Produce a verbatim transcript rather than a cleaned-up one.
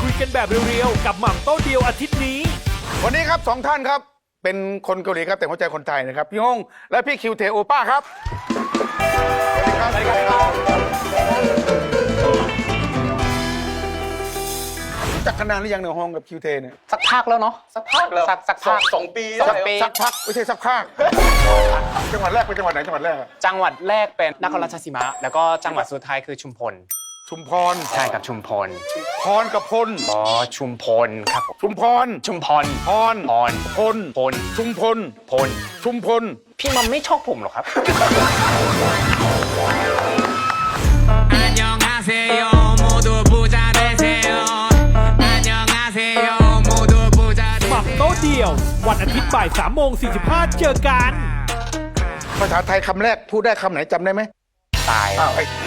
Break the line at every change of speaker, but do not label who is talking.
คุยกันแบบเรียวๆกับหม่ำโต๊ะเดียวอาทิตย์นี้
วันนี้ครับสองท่านครับเป็นคนเกาหลีครับแต่หัวใจคนไทยนะครับพี่ฮงและพี่คิวเทโอป้าครับสวัสดีครับรู้จักกันนานหรือยังเนี่ยฮงกับคิวเทเนี่ย
สักพักแล้วเนาะสักพักแล้วสักสักพัก
สองปี
สองปี
สักพักไม่ใช่สักพักจังหวัดแรกเป็นจังหวัดไหนจังหวัดแรกอะ
จังหวัดแรกเป็นนครราชสีมา แล้วก็จังหวัดสุดท้ายคือชุมพล
ชุมพร
ใช่ครับชุมพล
พรกับพล
อ๋อชุมพลครับผม
ชุมพร
ชุมพล
พร
พร
พล
พล
ชุมพล
พล
ชุมพล
พี่มัมไม่ชอบผมหรอครับ
안녕하세요 모두 부자 되세요 안녕하세요 모두 부자
หม่ำโต๊ะเดียว วันอาทิตย์บ่ายสามโมงสี่สิบห้าเจอกัน
ภาษาไทยคำแรกพูดได้คำไหนจำได้ไหม
ตาย
อ้าวไอ้